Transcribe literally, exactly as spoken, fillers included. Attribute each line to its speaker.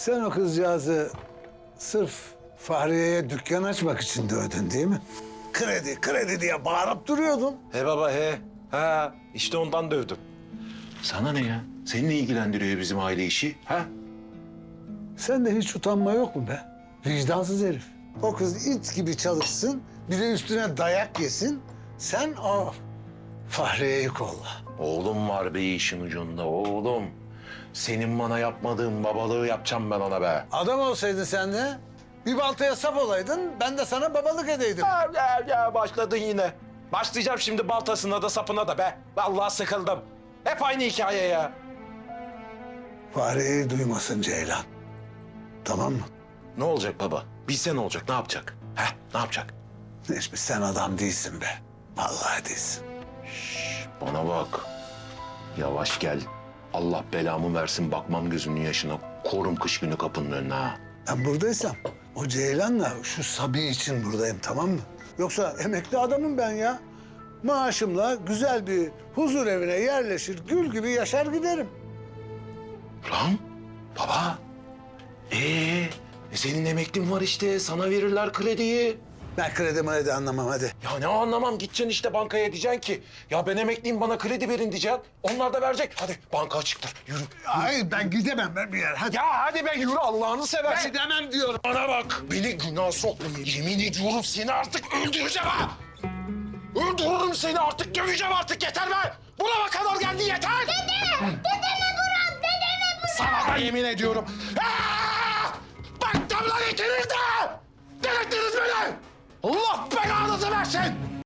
Speaker 1: Sen o kızcağızı sırf Fahriye'ye dükkan açmak için dövdün değil mi? Kredi, kredi diye bağırıp duruyordun.
Speaker 2: He baba he. Ha işte ondan dövdüm. Sana ne ya? Seni ne ilgilendiriyor bizim aile işi? Ha?
Speaker 1: Sende hiç utanma yok mu be? Vicdansız herif. O kız it gibi çalışsın, bir de üstüne dayak yesin. Sen o Fahriye'yi kolla.
Speaker 2: Oğlum var be işin ucunda oğlum. Senin bana yapmadığın babalığı yapacağım ben ona be.
Speaker 1: Adam olsaydın sen de bir baltaya sap olaydın, ben de sana babalık edeydim.
Speaker 2: Ya, ya, ya başladın yine. Başlayacağım şimdi baltasına da sapına da be. Vallahi sıkıldım. Hep aynı hikaye ya.
Speaker 1: Fahriye'yi duymasın Ceylan. Tamam mı?
Speaker 2: Ne olacak baba? Bilse ne olacak? Ne yapacak? Heh, ne yapacak?
Speaker 1: Necmi sen adam değilsin be. Vallahi değilsin.
Speaker 2: Bana bak. Yavaş gel. Allah belamı versin bakmam gözünün yaşına. Korum kış günü kapının önüne ha.
Speaker 1: Ben buradaysam o Ceylan'la şu Sabi için buradayım, tamam mı? Yoksa emekli adamım ben ya. Maaşımla güzel bir huzur evine yerleşir, gül gibi yaşar giderim.
Speaker 2: Lan baba. Ee, e senin emeklin var işte. Sana verirler krediyi.
Speaker 1: Ben kredi mredi anlamam hadi.
Speaker 2: Ya ne anlamam, gideceksin işte bankaya diyeceksin ki ya ben emekliyim bana kredi verin diyeceksin. Onlar da verecek. Hadi banka açıktır yürü.
Speaker 1: Hayır ben gidemem ben bir yer hadi.
Speaker 2: Ya hadi be yürü Allah'ını seversin.
Speaker 1: Gidemem diyorum.
Speaker 2: Bana bak beni günah sokma. Yemin ediyorum seni artık öldüreceğim ha. Öldürürüm seni artık, döveceğim artık, yeter be. Burama kadar geldi yeter.
Speaker 3: Dede! Dedeme bırak! Dedeme bırak!
Speaker 2: Sana da yemin ediyorum. Aa! Baktım lan ikiniz de. Delirttiniz beni. Allah belanızı versin.